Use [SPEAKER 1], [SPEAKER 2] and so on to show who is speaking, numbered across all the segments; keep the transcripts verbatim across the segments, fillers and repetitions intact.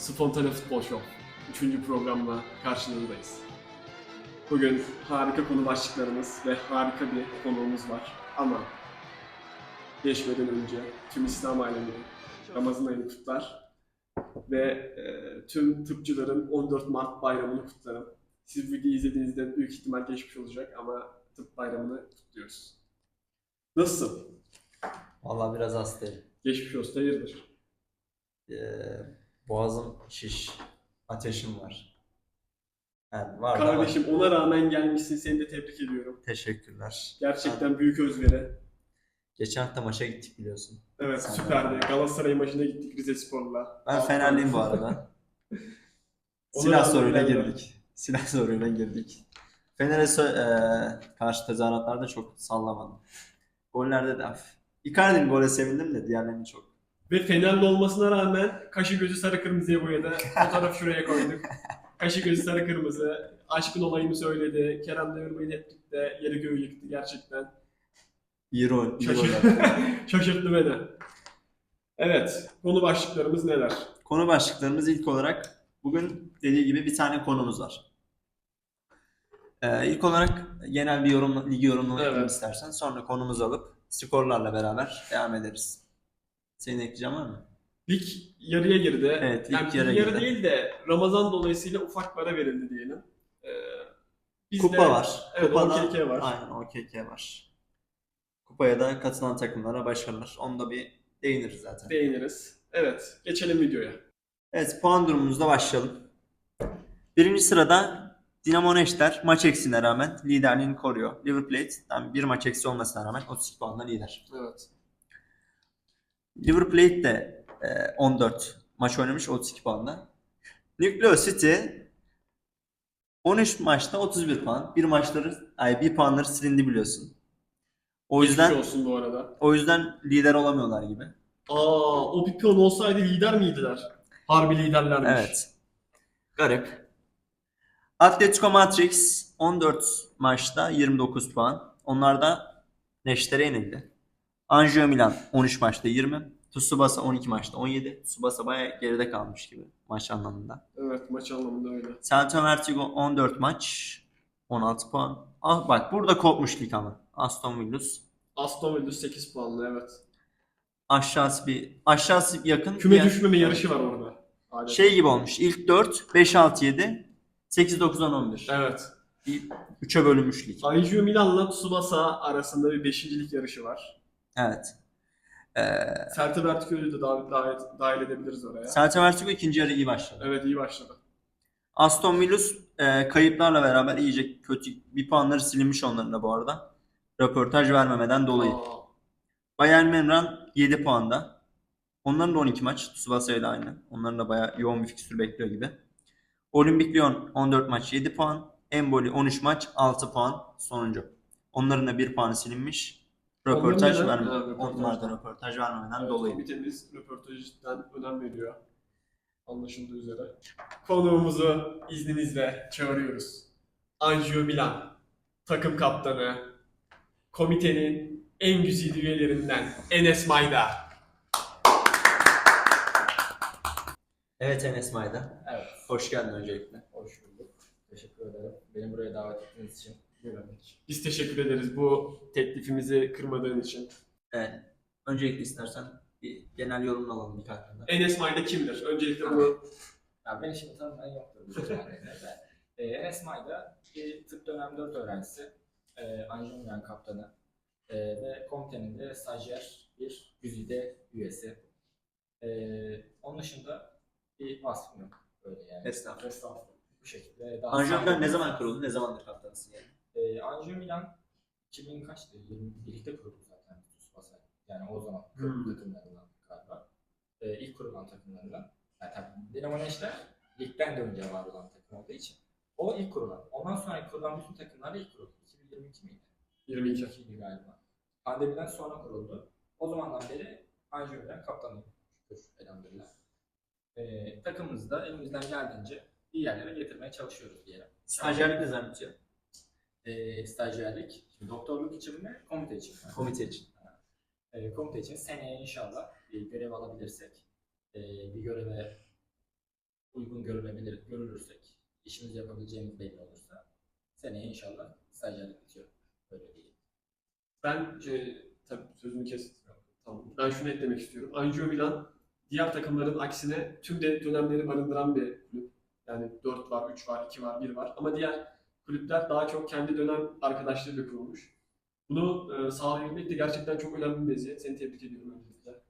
[SPEAKER 1] Spontane Futbol Show. Üçüncü programla karşınızdayız. Bugün harika konu başlıklarımız ve harika bir konuğumuz var. Ama geçmeden önce tüm İslam alemini Ramazan ayını kutlar ve e, tüm tıpçıların on dört Mart bayramını kutlarım. Siz videoyu izlediğinizde büyük ihtimal geçmiş olacak ama tıp bayramını kutluyoruz. Nasılsın?
[SPEAKER 2] Vallahi biraz hastayım.
[SPEAKER 1] Geçmiş olsun, hayırdır?
[SPEAKER 2] Ee, boğazım şiş, ateşim var. Yani var da var.
[SPEAKER 1] Kardeşim ona rağmen gelmişsin, seni de tebrik ediyorum.
[SPEAKER 2] Teşekkürler.
[SPEAKER 1] Gerçekten büyük özveri.
[SPEAKER 2] Geçen hafta maça gittik biliyorsun.
[SPEAKER 1] Evet,
[SPEAKER 2] Sen
[SPEAKER 1] süperdi.
[SPEAKER 2] de.
[SPEAKER 1] Galatasaray maçına gittik Rizespor'la.
[SPEAKER 2] Ben
[SPEAKER 1] Altı
[SPEAKER 2] Fenerliyim bu
[SPEAKER 1] tane.
[SPEAKER 2] arada.
[SPEAKER 1] Ona
[SPEAKER 2] Silah
[SPEAKER 1] rağmen
[SPEAKER 2] soruyla
[SPEAKER 1] bilenler.
[SPEAKER 2] girdik. Silah soruyla girdik. Fener'e sö- eee, karşı tezahüratlarda çok sallamadım. Gollerde de hafif. Icardi'nin gole sevindim de diğerlerini çok.
[SPEAKER 1] Ve Fenerli olmasına rağmen kaşı gözü sarı kırmızıya boyadı. Fotoğrafı şuraya koyduk. Kaşı gözü sarı kırmızı. Aşkın olayını söyledi. Kerem Demirbay'ın hep de yeri göğü yıktı gerçekten.
[SPEAKER 2] İyi rol. iyi
[SPEAKER 1] Şaşır...
[SPEAKER 2] goller.
[SPEAKER 1] Şaşırttı beni. Evet, konu başlıklarımız neler?
[SPEAKER 2] Konu başlıklarımız ilk olarak bugün dediği gibi bir tane konumuz var. Ee, ilk olarak genel bir yorum, ligi yorumlamak
[SPEAKER 1] Evet.
[SPEAKER 2] istersen sonra konumuzu alıp skorlarla beraber devam ederiz. Senin ekleyeceğin var mı?
[SPEAKER 1] Lig yarıya girdi.
[SPEAKER 2] Evet, lig
[SPEAKER 1] yani
[SPEAKER 2] yarıya
[SPEAKER 1] yarı
[SPEAKER 2] girdi.
[SPEAKER 1] değil de Ramazan dolayısıyla ufak para verildi diyelim. Ee, bizde-
[SPEAKER 2] Kupa var.
[SPEAKER 1] Evet,
[SPEAKER 2] Kupada,
[SPEAKER 1] O K K var.
[SPEAKER 2] aynen O K K var. Kupaya da katılan takımlara başarılar. Onu da bir değiniriz zaten.
[SPEAKER 1] Değiniriz. Evet, geçelim videoya.
[SPEAKER 2] Evet, puan durumumuzda başlayalım. Birinci sırada Dinamo Neşter maç eksiğine rağmen liderliğini koruyor. River Plate'den bir maç eksi olmasına rağmen otuz iki puanla lider.
[SPEAKER 1] Evet.
[SPEAKER 2] River Plate de e, on dört maç oynamış otuz iki puanla. Nucleo City on üç maçta otuz bir puan. Bir maçları, ay bir puanları silindi biliyorsun. O
[SPEAKER 1] Geçmiş
[SPEAKER 2] yüzden
[SPEAKER 1] olsun bu arada.
[SPEAKER 2] o yüzden lider olamıyorlar gibi.
[SPEAKER 1] Aa, o bir piyon olsaydı lider miydiler? Harbi liderlermiş.
[SPEAKER 2] Evet. Garip. Atletico Matrix on dört maçta yirmi dokuz puan. Onlar da Neşter'e yenildi. Anzio Milan on üç maçta yirmi. Tsubasa on iki maçta on yedi. Tsubasa bayağı geride kalmış gibi maç anlamında.
[SPEAKER 1] Evet, maç anlamında öyle.
[SPEAKER 2] Celta Vertigo on dört maç on altı puan. Ah, bak burada kopmuş lig ama. Aston Villa.
[SPEAKER 1] Aston Villa sekiz puanlı, evet.
[SPEAKER 2] Aşağısı bir aşağısı yakın.
[SPEAKER 1] Küme
[SPEAKER 2] diğer-
[SPEAKER 1] düşmeme yarışı var orada. Adeta.
[SPEAKER 2] Şey gibi olmuş. İlk dört, beş, altı, yedi, sekiz, dokuz, on, on bir.
[SPEAKER 1] Evet.
[SPEAKER 2] üçe bölünmüş lig.
[SPEAKER 1] Anzio Milan'la Tsubasa arasında bir beşincilik yarışı var.
[SPEAKER 2] Evet. Ee,
[SPEAKER 1] Celta Vertigo'yu da dahil, dahil, dahil edebiliriz oraya.
[SPEAKER 2] Celta Vertigo ikinci yarı iyi başladı.
[SPEAKER 1] Evet, iyi başladı.
[SPEAKER 2] Aston Villa e, kayıplarla beraber iyice kötü bir puanları silinmiş onların da bu arada. Röportaj vermemeden dolayı.
[SPEAKER 1] Aa,
[SPEAKER 2] Bayern Münih yedi puanda. Onların da on iki maç. Tsubasa ile aynı. Onların da bayağı yoğun bir fikstür bekliyor gibi. Olimpik Lyon on dört maç yedi puan. Empoli on üç maç altı puan sonuncu. Onların da bir puanı silinmiş. Röportaj
[SPEAKER 1] Onların neden?
[SPEAKER 2] verme.
[SPEAKER 1] Ha, röportaj.
[SPEAKER 2] Onlar da röportaj vermemeden
[SPEAKER 1] evet,
[SPEAKER 2] dolayı.
[SPEAKER 1] komitemiz röportajdan önem veriyor. Anlaşıldığı üzere. Konuğumuzu izninizle çağırıyoruz. Anzio Milan, takım kaptanı, komitenin en güzide üyelerinden Enes Mayda.
[SPEAKER 2] Evet Enes Mayda.
[SPEAKER 3] Evet,
[SPEAKER 2] Hoş geldin öncelikle.
[SPEAKER 3] hoş bulduk. Teşekkür ederim. Beni buraya davet ettiğiniz için. Güvenlik.
[SPEAKER 1] Biz teşekkür ederiz bu teklifimizi kırmadığın için.
[SPEAKER 2] Evet. Öncelikle istersen bir genel yorum alalım lig hakkında.
[SPEAKER 1] Enes Mayda kimdir? Öncelikle bu
[SPEAKER 3] Ya beni şimdi tanımayan yoktur bu şeylerde de. Ee, Enes Mayda bir tıp dönem dört öğrencisi. Ee, Anzio Milan kaptanı. Ee, ve komitenin de stajyer bir güzide üyesi. Ee, onun dışında bir vasfım yok. Öyle yani.
[SPEAKER 2] Estağfurullah.
[SPEAKER 3] Estağfurullah. Bu şekilde. Daha
[SPEAKER 2] Anjou Milan ne
[SPEAKER 3] sağlıklı-
[SPEAKER 2] zaman kuruldu? Ne zamandır kaptanısın yani?
[SPEAKER 3] Ee, Anzio Milan iki bin kaçtı? yirmi birlikte kuruldu zaten Tsubasa. Yani o zaman kuruldu
[SPEAKER 2] Hmm.
[SPEAKER 3] takımlarından galiba. Ee, ilk kurulan takımlarından. Yani tabii Dinamo Neşter ligden de önce var olan takım olduğu için. O ilk kurulan. Ondan sonra kurulan bütün takımlar da ilk kuruldu. iki bin yirmi iki miydi?
[SPEAKER 1] yirmi iki.
[SPEAKER 3] yirmi ikiydi galiba. Pandemiden sonra kuruldu. O zamandan beri Anzio Milan kaptanıyım. Şükür elhamdülillah. Ee, takımımızı da elimizden geldiğince iyi yerlere getirmeye çalışıyoruz diyelim.
[SPEAKER 2] Stajyerlik ne zaman bitiyor?
[SPEAKER 3] e, stajyerlik, şimdi doktorluk için mi, komite için mi?
[SPEAKER 2] Komite için.
[SPEAKER 3] E, komite için seneye inşallah bir görev alabilirsek, e, bir göreve uygun görülebilir, görülürsek, işimizi yapabileceğimiz belli olursa seneye inşallah stajyerlik bitiyor. Öyle değil.
[SPEAKER 1] Ben e, tabii sözünü kes. Tamam. Ben şunu eklemek istiyorum. Angio Milan diğer takımların aksine tüm de dönemleri barındıran bir kulüp. Yani dört var, üç var, iki var, bir var. Ama diğer kulüpler daha çok kendi dönem arkadaşlarıyla kurulmuş. Bunu e, sağlayabilmek de gerçekten çok önemli bir meziyet. Seni tebrik ediyorum öncelikle.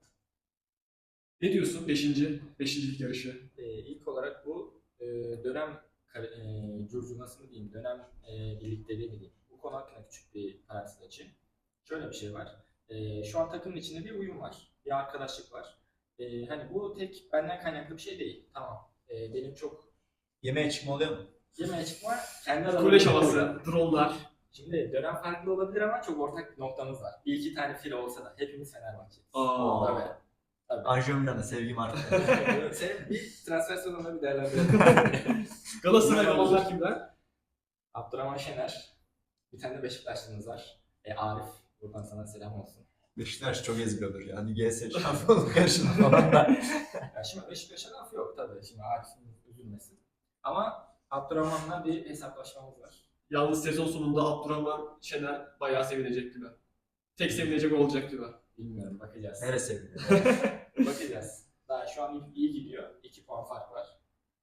[SPEAKER 1] Ne diyorsun beşinci, beşincilik yarışı?
[SPEAKER 3] Ee, ilk olarak bu e, dönem kar- e, curcunası mı diyeyim, dönem e, birlikteliği mi diyeyim. Bu konu hakkında küçük bir parantez açayım. Şöyle bir şey var. E, şu an takımın içinde bir uyum var. Bir arkadaşlık var. E, hani bu tek benden kaynaklı bir şey değil. Tamam. E, benim çok
[SPEAKER 2] Yemeğe çıkma oluyor mu?
[SPEAKER 3] yemeğe çıkma kendi
[SPEAKER 1] Kolej
[SPEAKER 3] alanımda
[SPEAKER 1] havası,
[SPEAKER 3] oluyor.
[SPEAKER 1] dronlar.
[SPEAKER 3] Şimdi dönem farklı olabilir ama çok ortak bir noktamız var. Bir iki tane file olsa da hepimiz Fenerbahçe'yiz.
[SPEAKER 1] Aa.
[SPEAKER 3] Tabii. Tabii.
[SPEAKER 2] Angio Milan'a sevgim arttı.
[SPEAKER 3] Senin bir transfer sezonunda bir değerlendirelim.
[SPEAKER 1] Galatasaray olanlar kimler?
[SPEAKER 3] Abdurrahman Şener. Bir tane de Beşiktaşlımız var. E, Arif. Buradan sana selam olsun.
[SPEAKER 2] Beşiktaş çok eziliyordur ya. Hani G S şampiyonluk yarışında falan da.
[SPEAKER 3] Ya şimdi Beşiktaş'a laf yok tabii. Şimdi Arif'in üzülmesin. Ama Abdurrahman'la bir hesaplaşmamız var.
[SPEAKER 1] Yalnız sezon sonunda Abdurrahman Şener bayağı sevinecek gibi. Tek sevinecek olacak gibi.
[SPEAKER 3] Bilmiyorum, bakacağız.
[SPEAKER 2] Neresi sevgili?
[SPEAKER 3] Bakacağız. Daha şu an iyi, iyi gidiyor. iki puan fark var.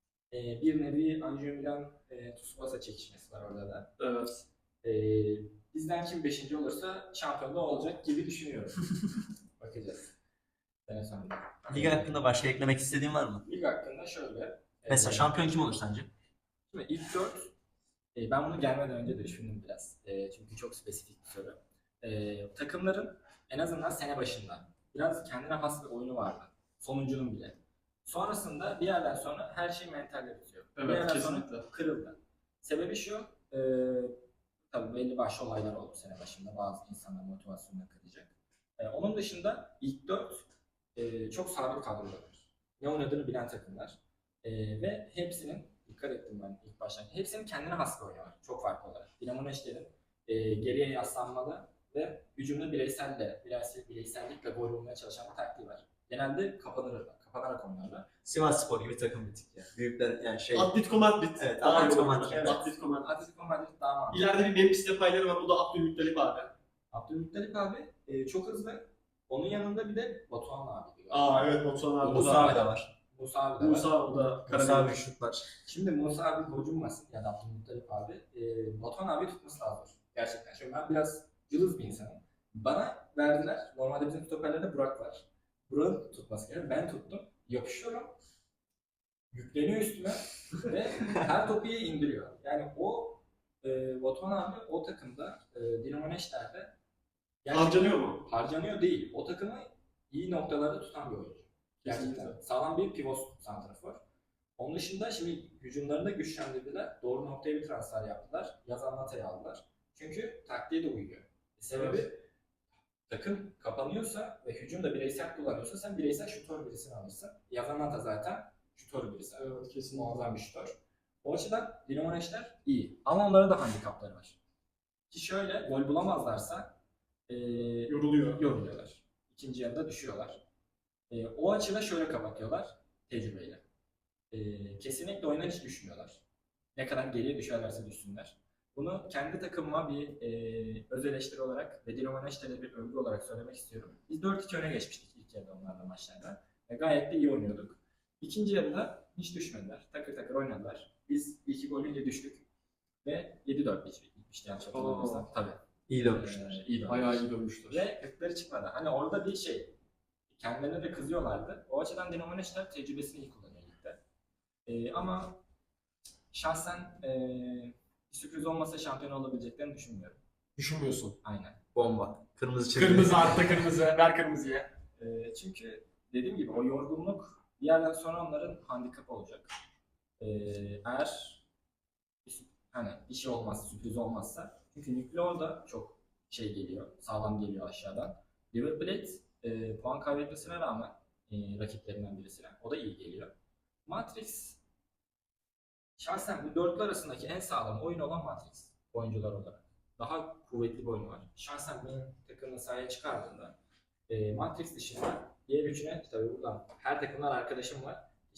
[SPEAKER 3] Ee, bir nevi Angio Milan e, Tsubasa çekişmesi var orada da.
[SPEAKER 1] Evet.
[SPEAKER 3] Ee, bizden kim beşinci olursa şampiyon da olacak gibi düşünüyorum. Bakacağız. Sene sonunda.
[SPEAKER 2] Lig hakkında başka eklemek istediğin var mı?
[SPEAKER 3] Lig hakkında şöyle.
[SPEAKER 2] Mesela
[SPEAKER 3] e,
[SPEAKER 2] şampiyon kim olur sence?
[SPEAKER 3] Şimdi ilk dört, e, ben bunu gelmeden önce de düşündüm biraz. E, çünkü çok spesifik bir soru. E, takımların en azından sene başında biraz kendine has bir oyunu vardı. Sonuncunun bile. Sonrasında bir yerden sonra her şey mentalle bitiyor. bir
[SPEAKER 1] Evet,
[SPEAKER 3] yerden
[SPEAKER 1] kesinlikle.
[SPEAKER 3] sonra kırıldı. Sebebi şu, e, tabii belli başlı olaylar oldu sene başında. Bazı insanlar motivasyonunu kıracak. E, onun dışında ilk dört e, çok sabit kadrolar. Ne oynadığını bilen takımlar. E, ve hepsinin, dikkat ettim ben ilk başta, hepsinin kendine has bir oyunu var. Çok farklı olarak. Dinamo Neşter'in e, geriye yaslanmalı ve hücumda bireyselle, bireysel, bireysellikle gol bulmaya çalışan bir taktiği var. Genelde kapanırlar, kapanarak oynarlar.
[SPEAKER 2] Sivas Spor gibi takım bitik ya. Büyükler yani şey.
[SPEAKER 1] Atletico Madrid.
[SPEAKER 2] Evet,
[SPEAKER 1] Daha
[SPEAKER 2] Atletico
[SPEAKER 1] iyi
[SPEAKER 2] Madrid.
[SPEAKER 1] oynuyor.
[SPEAKER 3] Evet.
[SPEAKER 1] Atletico Madrid.
[SPEAKER 3] Atletico Madrid daha mantıklı.
[SPEAKER 1] İleride bir Memphis Depay'ları var. O da Abdülmuttalip abi.
[SPEAKER 3] Abdülmuttalip abi e, çok hızlı. Onun yanında bir de Batuhan abi.
[SPEAKER 1] Aa evet, Batuhan abi.
[SPEAKER 2] Musa abi de var.
[SPEAKER 3] Musa abi de var.
[SPEAKER 1] Musa o da
[SPEAKER 2] Musa
[SPEAKER 1] Karadeniz.
[SPEAKER 2] abi şutlar.
[SPEAKER 3] Şimdi Musa abi gocunmasın ya da Abdülmuttalip abi. E, Batuhan abi tutması lazım. Gerçekten. Şimdi ben biraz cılız bir insanım. Bana verdiler. Normalde bizim stoperlerde Burak var. Burak'ın tutması gerekiyor. Ben tuttum. Yapışıyorum. Yükleniyor üstüme ve her topu iyi indiriyor. Yani o e, Batuhan abi o takımda e, Dinamo Neşter'de gerçekten
[SPEAKER 1] Harcanıyor mu?
[SPEAKER 3] harcanıyor değil. O takımı iyi noktalarda tutan bir oyuncu. Gerçekten.
[SPEAKER 1] Kesinlikle.
[SPEAKER 3] Sağlam bir pivot santrafor. Onun dışında şimdi hücumlarını da güçlendirdiler. Doğru noktaya bir transfer yaptılar. Yazan Lata'yı aldılar. Çünkü taktiğe de uyuyor. Sebebi takım kapanıyorsa ve hücum da bireysel kullanıyorsa sen bireysel şutör birisini alırsın. Yazan Lata zaten şutör birisi.
[SPEAKER 1] Evet, kesinlikle.
[SPEAKER 3] Muazzam bir şutör. O açıdan Dinamo Neşter iyi. Ama onların da handikapları var. Ki şöyle gol bulamazlarsa ee,
[SPEAKER 1] Yoruluyor.
[SPEAKER 3] yoruluyorlar. İkinci yarıda düşüyorlar. E, o açıda şöyle kapatıyorlar tecrübeyle. E, kesinlikle oyuna hiç düşmüyorlar. Ne kadar geriye düşerlerse düşsünler. Bunu kendi takımıma bir e, öz eleştiri olarak ve Dinamo Neşter'e bir övgü olarak söylemek istiyorum. Biz dört iki öne geçmiştik ilk yarıda onlarla maçlarda. Ve gayet de iyi oynuyorduk. İkinci yarıda hiç düşmediler. Takır takır oynadılar. Biz iki golüyle düştük. Ve yedi dört bitmişti yanlış hatırlamıyorsam. Tabii.
[SPEAKER 2] İyi dönmüşler.
[SPEAKER 3] Ee, iyi dönmüş.
[SPEAKER 1] Bayağı iyi dönmüşler.
[SPEAKER 3] Ve gıkları çıkmadı. Hani orada bir şey, kendilerine de kızıyorlardı. O açıdan Dinamo Neşter tecrübesini iyi kullanıyor ligde. Ee, ama şahsen ee, bir sürpriz olmasa şampiyon olabileceklerini düşünmüyorum.
[SPEAKER 1] Düşünmüyorsun.
[SPEAKER 3] Aynen.
[SPEAKER 2] Bomba. Kırmızı çizgi.
[SPEAKER 1] Kırmızı artta kırmızı. Ver kırmızıya.
[SPEAKER 3] Ee, çünkü dediğim gibi o yorgunluk bir yerden sonra onların handikapı olacak. Ee, eğer bir, sü- hani bir şey olmazsa, sürpriz olmazsa. Çünkü Nükleer da çok şey geliyor, sağlam geliyor aşağıdan. River Plate e, puan kaybetmesine rağmen e, rakiplerinden birisine. O da iyi geliyor. Matrix şahsen bu dörtlü arasındaki en sağlam oyun olan Matrix oyuncular olarak. Daha kuvvetli bir oyunu var. Şahsen benim takımını sahaya çıkardığında e, Matrix dışında diğer üçüne tabii buradan her takımdan arkadaşım var.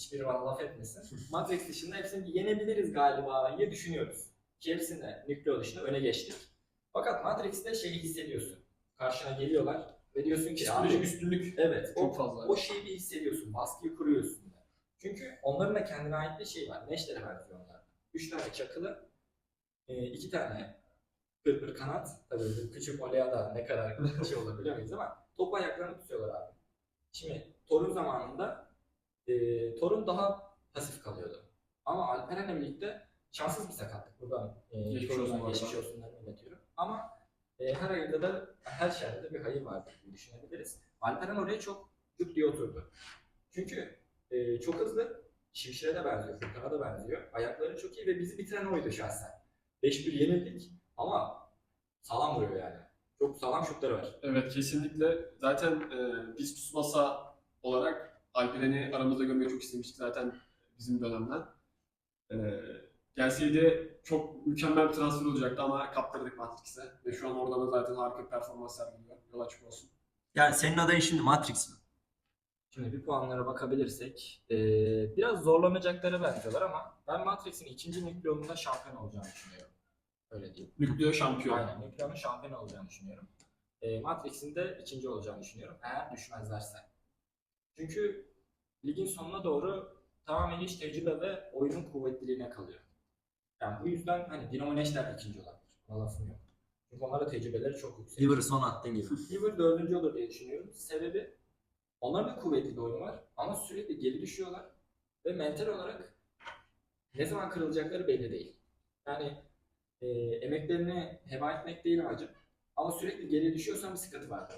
[SPEAKER 3] hiçbiri bana laf etmesin. Matrix dışında hepsini yenebiliriz galiba diye düşünüyoruz. Ki hepsinde Nükleo dışında öne geçtik. Fakat Matrix'te şeyi hissediyorsun. Karşına geliyorlar ve diyorsun ki
[SPEAKER 1] Psikolojik
[SPEAKER 3] abi,
[SPEAKER 1] üstünlük
[SPEAKER 3] evet,
[SPEAKER 1] çok
[SPEAKER 3] o,
[SPEAKER 1] fazla.
[SPEAKER 3] o şeyi bir hissediyorsun. Baskıyı kuruyorsun. Çünkü onların da kendine ait bir şey var. Neşter'e benziyor onlar. Üç tane çakılı, e, iki tane pırpır kanat. Tabii küçük olaya da ne kadar şey olur bilemeyiz ama top ayaklarını tutuyorlar abi. Şimdi Thor'un zamanında e, Thor'un daha pasif kalıyordu. Ama Alperen'le birlikte şanssız bir sakatlık. Buradan e,
[SPEAKER 1] Geçmiş olsun bu arada.
[SPEAKER 3] geçmiş olsunlarını iletiyorum. Ama e, her hayırda da her şerde de bir hayır vardır diye düşünebiliriz. Alperen oraya çok cuk diye oturdu. Çünkü e, çok hızlı, Şimşir'e de benziyor, Furkan'a da benziyor. Ayakları çok iyi ve bizi bitiren oydu şahsen. beş bir yenildik ama sağlam vuruyor yani. Çok sağlam şutları var.
[SPEAKER 1] Evet, kesinlikle. Zaten e, biz Tsubasa olarak Alperen'i aramızda görmeyi çok istemiştik zaten bizim dönemden. E, gelseydi çok mükemmel bir transfer olacaktı ama kaptırdık Matrix'e. Ve şu an orada da zaten harika bir performans sergiliyor. Yol açık olsun.
[SPEAKER 2] Yani senin adayın şimdi Matrix mi?
[SPEAKER 3] Şimdi bir puanlara bakabilirsek eee, biraz zorlanacaklara benziyorlar ama ben Matrix'in ikinci Nükleo'nun şampiyon olacağını düşünüyorum. Öyle diyeyim.
[SPEAKER 1] Nükleo şampiyon.
[SPEAKER 3] Aynen, Nükleo'nun şampiyon olacağını düşünüyorum. Eee Matrix'in de ikinci olacağını düşünüyorum eğer düşmezlerse. Çünkü ligin sonuna doğru tamamen iş tecrübe ve oyunun kuvvetliliğine kalıyor. Yani bu yüzden hani Dinamo Neşter ikinci olabilir. Ona lafım yok. Çünkü onların da tecrübeleri çok yüksek.
[SPEAKER 2] River'ı son attığın gibi.
[SPEAKER 3] River dördüncü olur diye düşünüyorum. Sebebi onların da kuvvetli bir oyunu var ama sürekli geri düşüyorlar ve mental olarak ne zaman kırılacakları belli değil. Yani e, emeklerini heba etmek değil amacım ama sürekli geri düşüyorsan bir sıkıntı var.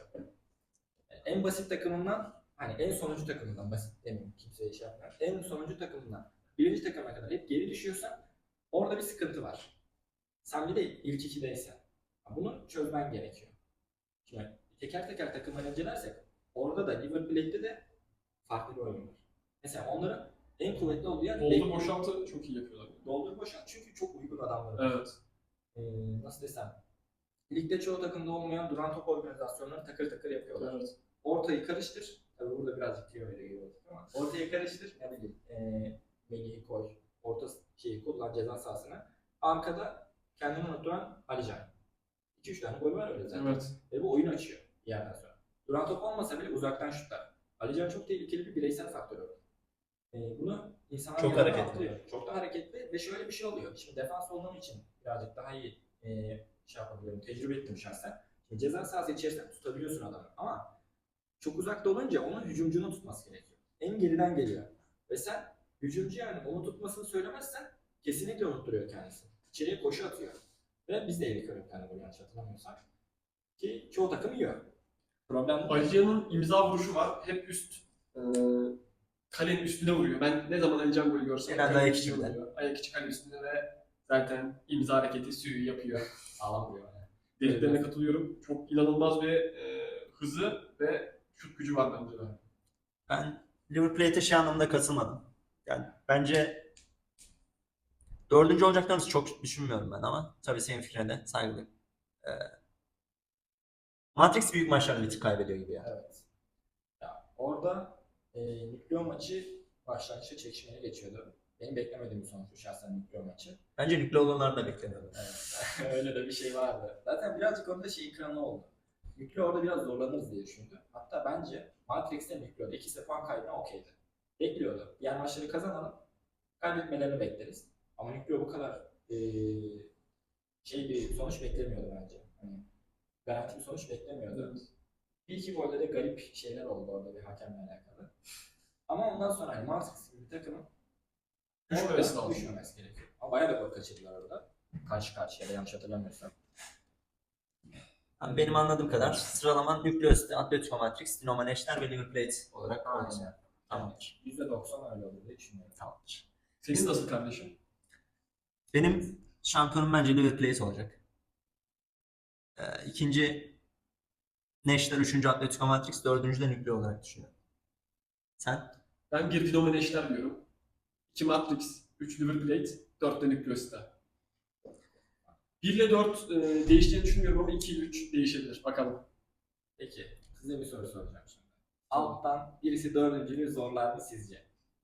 [SPEAKER 3] Yani en basit takımından, hani en sonuncu takımından, basit demeyeyim kimseye şey yapmıyor. En sonuncu takımından birinci takıma kadar hep geri düşüyorsan orada bir sıkıntı var. Sen bir de ilk ikideysen. Bunu çözmen gerekiyor. Şimdi teker teker takımları incelersek orada da River Plate'de de farklı bir oyun var. Mesela onların en kuvvetli olduğu yer
[SPEAKER 1] Doldur boşaltı çok iyi yapıyorlar.
[SPEAKER 3] Doldur boşalt çünkü çok uygun adamları var.
[SPEAKER 1] Evet.
[SPEAKER 3] Ee, nasıl desem, ligde çoğu takımda olmayan duran top organizasyonları takır takır yapıyorlar.
[SPEAKER 1] Evet.
[SPEAKER 3] Ortayı karıştır, tabii burada birazcık teoriyle giriyor ama ortayı karıştır, ne bileyim, ee, Melih'i koy, orta şeyi kullan ceza sahasına. Arkada kendini unutturan Alican. iki üç tane gol var öyle zaten.
[SPEAKER 1] Evet.
[SPEAKER 3] Ve bu oyun açıyor bir yerden sonra. Duran top olmasa bile uzaktan şutlar. Alican çok tehlikeli bir bireysel faktör orada. Ee, bunu insanlar
[SPEAKER 2] Çok
[SPEAKER 3] yanına
[SPEAKER 2] hareketli.
[SPEAKER 3] atlıyor. Çok da hareketli ve şöyle bir şey oluyor. Şimdi defans olduğum için birazcık daha iyi e, şey yapabiliyorum. Tecrübe ettim şahsen. Şimdi ceza sahası içerisinde tutabiliyorsun adamı ama çok uzakta olunca onun hücumcunu tutması gerekiyor. En geriden geliyor. Ve sen hücumcu yani onu tutmasını söylemezsen kesinlikle unutturuyor kendisini. İçeriye koşu atıyor. Ve biz de yedik öyle bir tane gol yanlış hatırlamıyorsak. Ki çoğu takım yiyor. Problem bu.
[SPEAKER 1] Alican'ın imza vuruşu var. Hep üst e, kalenin üstüne vuruyor. Ben ne zaman Alican golü görsem
[SPEAKER 2] Genelde
[SPEAKER 1] kalenin
[SPEAKER 2] ayak
[SPEAKER 1] üstüne
[SPEAKER 2] içinde.
[SPEAKER 1] vuruyor. Ayak içi kale üstünde ve zaten imza hareketi suyu yapıyor.
[SPEAKER 3] Sağlam vuruyor yani.
[SPEAKER 1] Dediklerine katılıyorum. Çok inanılmaz bir e, hızı ve şut gücü var bence de.
[SPEAKER 2] Ben River Plate'e şey anlamda katılmadım. Yani bence dördüncü olacaklarını çok düşünmüyorum ben ama tabii senin fikrine de saygılıyım. Ee, Matrix büyük maçlarda bir tık kaybediyor gibi ya.
[SPEAKER 3] Evet. Ya orada e, Nükleo maçı başlangıçta çekişmeye geçiyordu. Benim beklemediğim bir sonuçtu şahsen Nükleo maçı.
[SPEAKER 2] Bence Nükleo'lular da beklemiyorum.
[SPEAKER 3] Evet. Öyle de bir şey vardı. Zaten birazcık orada şey ikramı oldu. Nükleo orada biraz zorlanırız diye düşündü. Hatta bence Matrix'te Nükleo'da ikisi de puan kaybına okeydi. Bekliyordu. Diğer maçları kazanalım. Kaybetmelerini bekleriz. Ama Nükleo bu kadar e, şey bir sonuç beklemiyordu bence. Hani garanti bir sonuç beklemiyordu. Bir iki golde de garip şeyler oldu orada bir hakemle alakalı. Ama ondan sonra hani Matrix gibi bir takımın
[SPEAKER 1] Düşmemesi
[SPEAKER 3] orada
[SPEAKER 1] lazım.
[SPEAKER 3] düşmemesi gerekiyor. Ama bayağı da gol kaçırdılar orada. Karşı karşıya da yanlış hatırlamıyorsam.
[SPEAKER 2] Yani benim anladığım kadar sıralaman Nükleos'te Atletico Matrix, Dinamo Neşter ve River Plate olarak olacak.
[SPEAKER 3] Aynen.
[SPEAKER 2] Tamamdır.
[SPEAKER 3] yüzde doksan öyle olur diye düşünüyorum.
[SPEAKER 2] Tamamdır.
[SPEAKER 1] Senin nasıl kardeşim?
[SPEAKER 2] Benim şampiyonum bence River Plate olacak. Ee, ikinci Neşter, üçüncü Atletico Matrix, dördüncü de Nükleo olarak düşünüyorum. Sen?
[SPEAKER 1] Ben bir Dinamo Neşter diyorum. iki Matrix, üç River Plate, dört de Nükleos'ta. bir ile dört e, değişeceğini düşünmüyorum ama iki ile üç değişebilir. Bakalım.
[SPEAKER 3] Peki size bir soru soracağım şimdi. Alttan birisi dördüncülüğü zorlar mı sizce?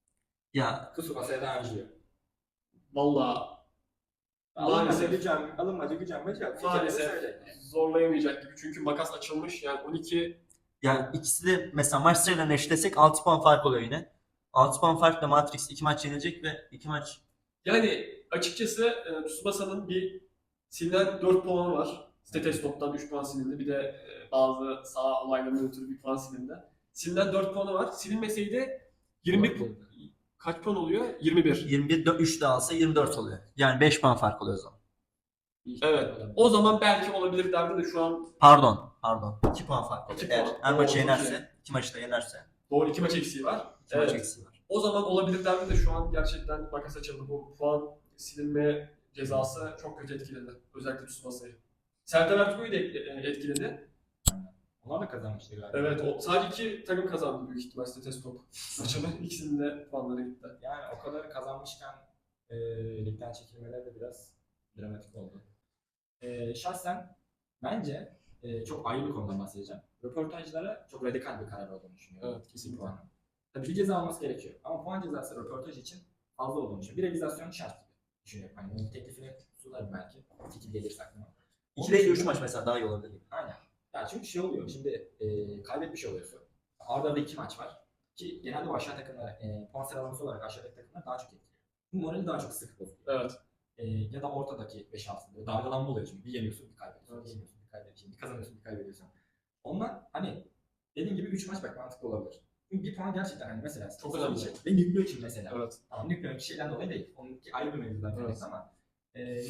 [SPEAKER 2] Ya
[SPEAKER 3] Tsubasa'ya da Anjiyo.
[SPEAKER 1] Valla
[SPEAKER 3] Alınmaca
[SPEAKER 1] Maalesef.
[SPEAKER 3] gücen, alınmaca gücenmece yok. Bir kere de
[SPEAKER 1] maalesef
[SPEAKER 3] söyle.
[SPEAKER 1] zorlayamayacak gibi. Çünkü makas açılmış. Yani on iki
[SPEAKER 2] yani ikisi de mesela maç sayılarını eşitlesek altı puan fark oluyor yine. altı puan farkla Matrix iki maç yenilecek ve iki maç
[SPEAKER 1] yani açıkçası e, Tsubasa'nın bir silinen dört puanı var. Stetestop'tan üç puan silindi. Bir de e, bazı sağ olaylarından ötürü bir puan silindi. Silinen dört puanı var. Silinmeseydi yirmi bir pu- kaç puan oluyor? yirmi bir.
[SPEAKER 2] yirmi bir üç de alsa yirmi dört oluyor. Yani beş puan fark oluyor o zaman.
[SPEAKER 1] Evet. O zaman belki olabilir derdim de şu an
[SPEAKER 2] Pardon, pardon. iki puan fark oluyor.
[SPEAKER 1] İki
[SPEAKER 2] Eğer
[SPEAKER 1] puan.
[SPEAKER 2] her
[SPEAKER 1] Oo,
[SPEAKER 2] maçı
[SPEAKER 1] çok
[SPEAKER 2] yenerse, iki maçı da yenerse
[SPEAKER 1] doğru iki maç eksiği var.
[SPEAKER 2] iki maç
[SPEAKER 1] Evet.
[SPEAKER 2] eksiği var.
[SPEAKER 1] O zaman olabilir derdim de şu an gerçekten makas açıldı. Bu puan silinme cezası çok kötü etkiledi. Özellikle Tsubasa'yı. Serdar Ertuğrul'u da et- etkiledi.
[SPEAKER 3] Onlar da kazanmıştı galiba.
[SPEAKER 1] Evet, o sadece iki takım kazandı büyük ihtimal Stetestop. Maçının ikisinin de puanları gitti.
[SPEAKER 3] Yani o kadar kazanmışken e, ligden çekilmeleri de biraz dramatik oldu. E, şahsen bence e, çok ayrı bir konudan bahsedeceğim. Röportajlara çok radikal bir karar olduğunu düşünüyorum.
[SPEAKER 1] Evet, kesinlikle.
[SPEAKER 3] Puanın. Tabii bir ceza alması gerekiyor. Ama puan cezası röportaj için fazla olduğunu düşünüyorum. Bir revizasyon şart gibi düşünüyorum. Hani onun teklifini sunarım belki. Fikir gelirse aklıma.
[SPEAKER 2] iki değil üç maç mesela daha iyi olabilir.
[SPEAKER 3] Aynen. Ya çünkü şey oluyor. Şimdi e, kaybetmiş oluyorsun. Arda arda iki maç var. Ki genelde bu aşağı takımlar e, puan sıralaması olarak aşağıdaki takımlar daha çok etkiliyor. Bu morali daha çok sık bozuyor.
[SPEAKER 1] Evet.
[SPEAKER 3] E, ya da ortadaki beş altı dalgalanma oluyor çünkü bir yeniyorsun bir kaybediyorsun,
[SPEAKER 1] Evet.
[SPEAKER 3] bir yeniyorsun bir kaybediyorsun, bir kazanıyorsun bir kaybediyorsun. Ondan hani dediğim gibi üç maç bak mantıklı olabilir. Çünkü bir puan gerçekten hani mesela
[SPEAKER 1] Çok önemli.
[SPEAKER 3] için ve Nükleer için mesela.
[SPEAKER 1] Evet.
[SPEAKER 3] Tamam Nükleer bir şeyden dolayı değil. Onunki ayrı bir mevzudan
[SPEAKER 1] Evet.
[SPEAKER 3] kaynaklı ama e,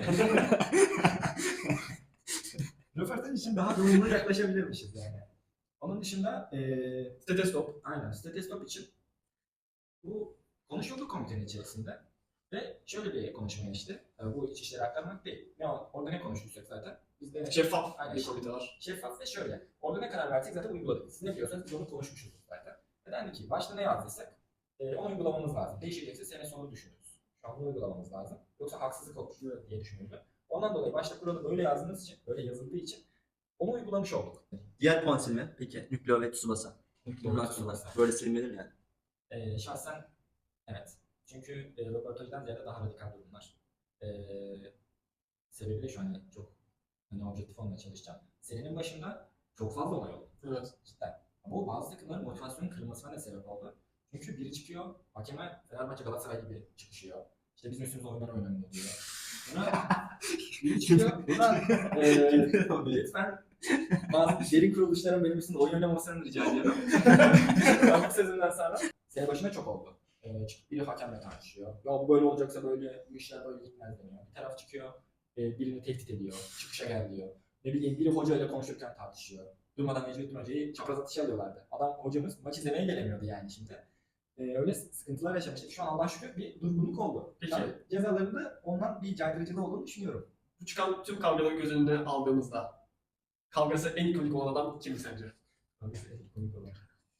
[SPEAKER 3] röportaj için daha doğru yaklaşabilirmişiz yani. Onun dışında e,
[SPEAKER 1] Stetestop.
[SPEAKER 3] aynen Stetestop için bu konuşuldu komitenin içerisinde ve şöyle bir konuşma geçti. Tabii bu iç işleri aktarmak değil. Ne, orada ne konuştuysak zaten. Biz de
[SPEAKER 1] Şeffaf
[SPEAKER 3] Aynen.
[SPEAKER 1] bir komite var.
[SPEAKER 3] şeffaf ve şöyle. Orada ne karar versek zaten uyguladık. Siz ne diyorsanız biz onu konuşmuşuz zaten. Ve dendi ki başta ne yazdıysak e, onu uygulamamız lazım. Değişecekse sene sonu düşünürüz. Şu an bunu uygulamamız lazım. Yoksa haksızlık olur diye düşünüldü. Ondan dolayı başta kuralı böyle yazdığımız için, böyle yazıldığı için onu uygulamış olduk.
[SPEAKER 2] Diğer puan silme peki Nükleer ve Tsubasa. Nükleer Tsubasa. Böyle silmedir yani.
[SPEAKER 3] Ee, şahsen evet. Çünkü e, röportajdan ziyade daha radikal durumlar. E, sebebi de şu an çok hani objektif olmaya çalışacağım. Senenin başında çok fazla olay oldu.
[SPEAKER 1] Evet.
[SPEAKER 3] Cidden. Bu bazı takımların motivasyonun kırılmasına da sebep oldu. Çünkü biri çıkıyor, hakeme Fenerbahçe Galatasaray gibi çıkışıyor. İşte bizim üstümüze oyunlar oynanıyor diyor. Buna biri çıkıyor, buna e, lütfen bazı derin kuruluşların benim üstümde oyun oynamasını rica ediyorum. Ben bu sezondan sonra sene başında çok oldu. Ee, çıkıp biri hakemle tartışıyor. Ya bu böyle olacaksa böyle, bu işler böyle gitmez deniyor. Bir taraf çıkıyor, e, birini tehdit ediyor, çıkışa gel diyor. Ne bileyim biri hocayla konuşurken tartışıyor. Durmadan Necmettin Hoca'yı çapraz atışa alıyorlardı. Adam hocamız maç izlemeye gelemiyordu yani şimdi. Ee, öyle sıkıntılar yaşamıştık. Şu an Allah şükür bir durgunluk oldu.
[SPEAKER 1] Peki.
[SPEAKER 3] Tabii cezalarında ondan bir caydırıcılığı olduğunu düşünüyorum.
[SPEAKER 1] Bu çıkan tüm kavgaları göz önüne aldığımızda kavgası en ikonik olan adam kim sence?
[SPEAKER 3] Abi komik olan.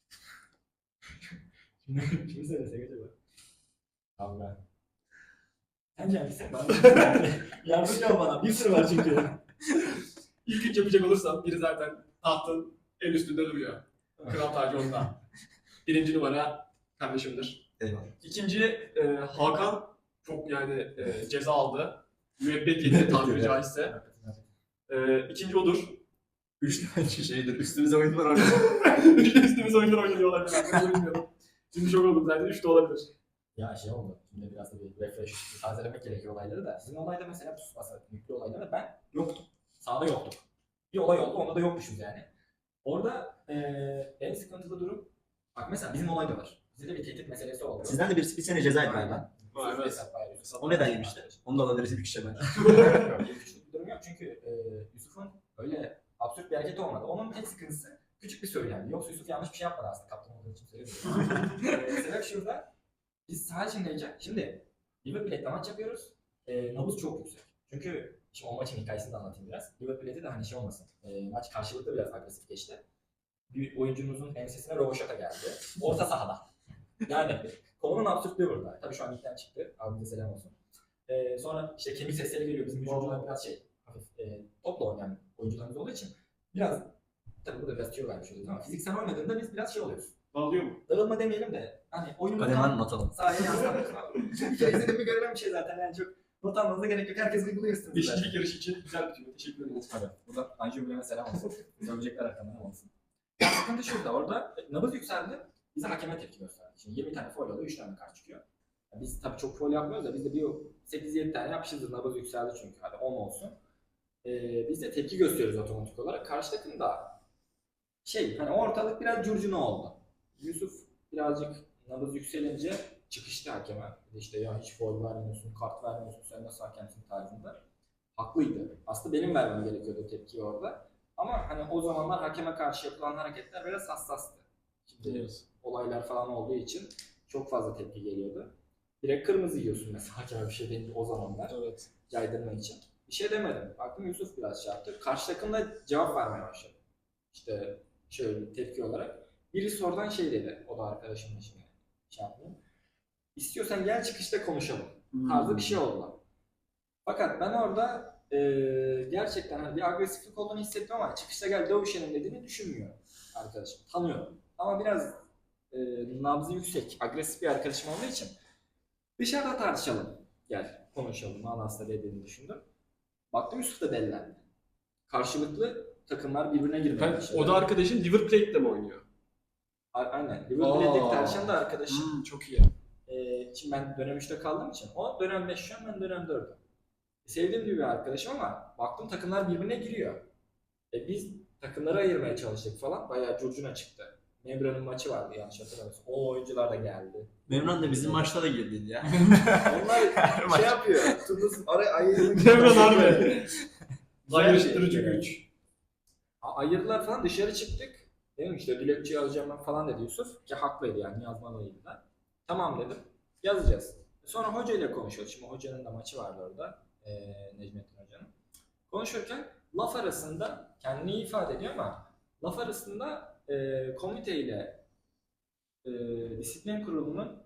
[SPEAKER 3] Şimdi kimi söylesek acaba? Kavga. Sence hangisi? Yardımcı ol bana. Bir sürü var çünkü.
[SPEAKER 1] İlk üç yapacak olursam biri zaten tahtın en üstünde duruyor. Kral tacı onda. Birinci numara kardeşimdir.
[SPEAKER 2] Eyvallah.
[SPEAKER 1] İkinci e, Hakan çok yani e, ceza aldı. Müebbet yedi tabiri caizse. E, ikinci odur.
[SPEAKER 2] Üç tane şeydir. Üstümüze oyunlar oynuyor.
[SPEAKER 1] Üstümüz oyunlar oynanıyorlar. Ben bunu bilmiyordum. Şimdi şok oldum zaten. Üç de olabilir.
[SPEAKER 3] Ya şey oldu. Şimdi biraz da bir refresh, bir tazelemek gerekiyor olayları da. Sizin olayda mesela Tsubasa yüklü olaylarda ben yoktum. Sahada yoktum. Bir olay oldu, onda da yokmuşuz yani. Orada eee en sıkıntılı durum, bak mesela bizim olay da var. Bizde de bir tehdit meselesi oldu.
[SPEAKER 2] Sizden de birisi bir sene ceza galiba.
[SPEAKER 1] Vay be.
[SPEAKER 3] Hesap paylaşıyoruz.
[SPEAKER 2] O neden yemişti? Onu da alabiliriz bir kişi ben.
[SPEAKER 3] Yok, küçük bir durum yok çünkü e, Yusuf'un öyle absürt bir hareketi olmadı. Onun tek sıkıntısı küçük bir söylemdi. Yoksa Yusuf yanlış bir şey yapmadı aslında. Kaptan olduğu için söylemiyorum. e, sebep şurada. Biz saha içindeyken, şimdi River Plate'le maç yapıyoruz. E, nabız çok yüksek. Çünkü şimdi o maçın hikayesini de anlatayım biraz. River Plate'de de hani şey olmasın. E, maç karşılıklı biraz agresif geçti. Bir oyuncumuzun ensesine roboşata geldi. Orta sahada. Yani konunun absürtlüğü burada. Tabii şu an ilkten çıktı. Abimize selam olsun. Ee, sonra işte kemik sesleri geliyor. Bizim oyuncular biraz şey, hafif e, topla oynayan oyuncularımız olduğu için biraz, tabii burada biraz tüyo vermiş oluyoruz ama fiziksel oynadığında biz biraz şey oluyoruz.
[SPEAKER 1] Bağlıyor mu?
[SPEAKER 3] Dağılma demeyelim de hani oyunun
[SPEAKER 2] Kalemen not alın.
[SPEAKER 3] sahaya yansıtamıyorsun abi. Bir kere izlediğimde görülen bir şey zaten yani çok not almanıza gerek yok. Herkes uyguluyorsunuz.
[SPEAKER 1] Beşincilik yarışı için güzel bir tüyo. Teşekkür ederiz.
[SPEAKER 3] Tabii. Burada Anju Bilem'e selam olsun. Söyleyecekler arkamdan olsun. Ya sıkıntı şurada. Orada nabız yükseldi. Bize hakeme tepki gösterdi. Şimdi yirmi tane foul alıyor, üç tane kart çıkıyor. Ya biz tabii çok foul yapmıyoruz da biz de bir sekiz yedi tane yapmışızdır. Nabız yükseldi çünkü. Hadi on olsun. Ee, biz de tepki gösteriyoruz otomatik olarak. Karşı takım da şey hani ortalık biraz curcuna oldu. Yusuf birazcık nabız yükselince çıkıştı hakeme. İşte ya hiç foul vermiyorsun, kart vermiyorsun, sen nasıl hakemsin tarzında. Haklıydı. Aslında benim vermem gerekiyordu tepkiyi orada. Ama hani o zamanlar hakeme karşı yapılan hareketler biraz hassastı. Şimdi
[SPEAKER 1] Evet.
[SPEAKER 3] olaylar falan olduğu için çok fazla tepki geliyordu. Direkt kırmızı yiyorsun mesela hakeme bir şey deyince o zamanlar
[SPEAKER 1] Evet.
[SPEAKER 3] caydırmak için. Bir şey demedim. Baktım Yusuf biraz şey yaptı. Karşı takım da cevap vermeye başladı. İşte şöyle tepki olarak. Birisi oradan şey dedi. O da arkadaşımla şimdi şey yaptım. İstiyorsan gel çıkışta konuşalım. Tarzı bir şey oldu. Fakat ben orada e, gerçekten hani bir agresiflik olduğunu hissettim ama çıkışta gel dövüşelim dediğini düşünmüyor arkadaşım. Tanıyorum. Ama biraz e, nabzı yüksek, agresif bir arkadaşım olduğu için dışarıda tartışalım. Gel konuşalım manasında dediğini düşündüm. Baktım Yusuf da delilendi. Karşılıklı takımlar birbirine girmeye
[SPEAKER 1] Ben,
[SPEAKER 3] başladı.
[SPEAKER 1] o da arkadaşın River Plate'de mi oynuyor?
[SPEAKER 3] A- Aynen. River Plate'deki
[SPEAKER 1] Aa.
[SPEAKER 3] tartışan da arkadaşım.
[SPEAKER 1] Hmm, çok iyi.
[SPEAKER 3] Ee, şimdi ben dönem üçte kaldığım için o dönem beş şu an ben dönem dördüm. Sevdiğim gibi bir arkadaşım ama baktım takımlar birbirine giriyor. E biz takımları ayırmaya çalıştık falan. Bayağı curcuna çıktı. Membra'nın maçı vardı yanlış hatırlamıyorsam. O oyuncular da geldi.
[SPEAKER 2] Memnun da bizim maçta da girdiydi ya.
[SPEAKER 3] Onlar şey yapıyor. Turnus araya ayırmak.
[SPEAKER 1] Memran harbi.
[SPEAKER 3] Güzel
[SPEAKER 1] Ayrıştırıcı
[SPEAKER 3] şey.
[SPEAKER 1] güç.
[SPEAKER 3] A- Ayırdılar falan dışarı çıktık. Dedim işte dilekçe yazacağım ben falan dedi Yusuf. Ki haklıydı yani yazmalıydı da. Tamam dedim. Yazacağız. Sonra hocayla konuşuyoruz. Şimdi hocanın da maçı vardı orada. Ee, Necmettin Hoca'nın. Konuşurken laf arasında kendini iyi ifade ediyor ama laf arasında e, komiteyle e, disiplin kurulunun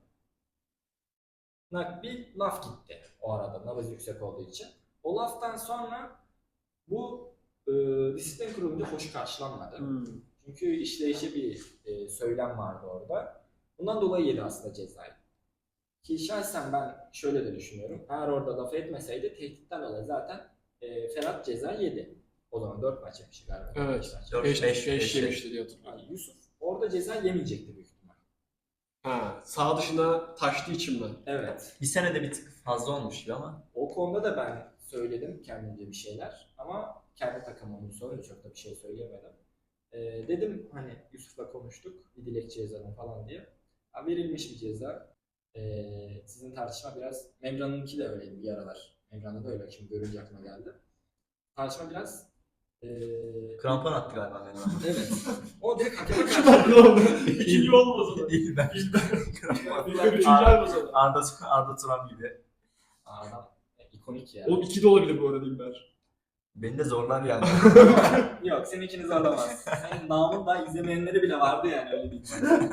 [SPEAKER 3] bir laf gitti o arada nabız yüksek olduğu için. O laftan sonra bu e, disiplin kurulunca hoş karşılanmadı.
[SPEAKER 1] Hmm.
[SPEAKER 3] Çünkü işleyişi bir e, söylem vardı orada. Bundan dolayı yedi aslında cezayı. Ki şahsen ben şöyle de düşünüyorum. Eğer orada laf etmeseydi tehditten dolayı zaten e, Ferhat ceza yedi. O zaman dört maç yemişti galiba.
[SPEAKER 1] Evet.
[SPEAKER 3] Beş maç.
[SPEAKER 2] Dört,
[SPEAKER 1] beş
[SPEAKER 2] beş,
[SPEAKER 1] beş
[SPEAKER 2] beş.
[SPEAKER 1] yemişti diye hatırlıyorum.
[SPEAKER 3] Yani Yusuf orada ceza yemeyecekti büyük ihtimal.
[SPEAKER 1] Ha, sağ dışına taştığı için mi?
[SPEAKER 3] Evet.
[SPEAKER 2] Bir senede bir tık fazla olmuş gibi ama.
[SPEAKER 3] O konuda da ben söyledim kendimce bir şeyler. Ama kendi takımımın sorunca çok da bir şey söyleyemedim. E, dedim hani Yusuf'la konuştuk. Bir dilekçe yazalım falan diye. Ha, verilmiş bir ceza. Ee, sizin tartışma biraz, Memran'ınki de öyleydi bir aralar. Memran'da da öyle, şimdi görünce aklıma geldi. Tartışma biraz... Ee,
[SPEAKER 2] Krampon attı galiba Memnun.
[SPEAKER 3] evet. O direkt hakeme karşı...
[SPEAKER 1] İkinci olmaz o da.
[SPEAKER 2] Değil ben.
[SPEAKER 1] İlk ve üçüncü olmaz o da.
[SPEAKER 2] Arda, Arda Turan gibi.
[SPEAKER 3] Adam e, ikonik ya.
[SPEAKER 1] O iki de olabilir bu arada İlber.
[SPEAKER 2] Beni de zorlar yani.
[SPEAKER 3] Yok, sen ikiniz alamaz. Senin namın daha izlemeyenleri bile vardı yani öyle bir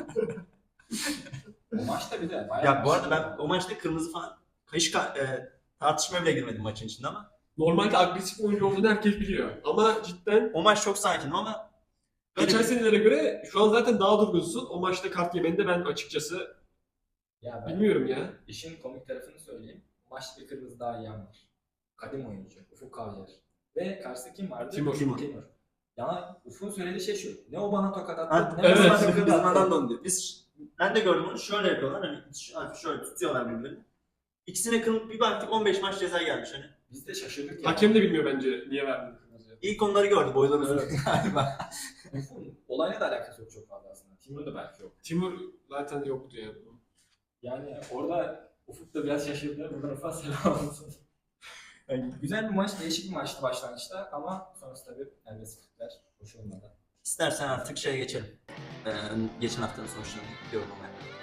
[SPEAKER 3] O maçta bir de bayağı...
[SPEAKER 2] Ya bu arada ben o maçta kırmızı falan hiç ka- e, tartışmaya bile girmedim maçın içinde ama
[SPEAKER 1] Normalde agresif bir oyuncu olduğunu herkes biliyor. Ama cidden
[SPEAKER 2] o maç çok sakinim ama
[SPEAKER 1] geçen senelere göre şu an zaten daha durgunsun. O maçta kart yemeni ben açıkçası
[SPEAKER 3] Ya ben
[SPEAKER 1] bilmiyorum ya.
[SPEAKER 3] işin komik tarafını söyleyeyim. Maçta bir kırmızı daha yiyen var. Kadim oyuncu. Ufuk Kavyer. Ve karşısında kim vardı?
[SPEAKER 1] Timur.
[SPEAKER 3] Timur. Timur. Ya Ufuk'un söylediği şey şu. Ne o bana tokat attı,
[SPEAKER 2] Ha,
[SPEAKER 3] ne
[SPEAKER 1] evet.
[SPEAKER 3] o bana
[SPEAKER 2] bizim,
[SPEAKER 3] tokat
[SPEAKER 2] bizim
[SPEAKER 3] attı.
[SPEAKER 2] adam da onu diyor. Biz, ben de gördüm onu şöyle yapıyorlar hani şöyle, şöyle tutuyorlar birbirlerini. İkisine kırmızı bir baktık on beş maç ceza gelmiş hani.
[SPEAKER 3] Biz de şaşırdık ya.
[SPEAKER 1] Hakem de bilmiyor bence niye verdiğini kırmızıya.
[SPEAKER 2] İlk onları gördü boyları uzun
[SPEAKER 3] Evet.
[SPEAKER 2] galiba.
[SPEAKER 3] Ufuk'un olayla da alakası yok çok fazla aslında. Timur'un da belki yok.
[SPEAKER 1] Timur zaten yoktu yani.
[SPEAKER 3] Yani orada Ufuk da biraz şaşırdı. Buradan Ufuk'a selam olsun. Yani güzel bir maç, değişik bir maçtı başlangıçta ama sonrası tabii agresiflikler hoş olmadı.
[SPEAKER 2] İstersen artık şeye geçelim. Ee, geçen haftanın sonuçlarını yorumlamaya.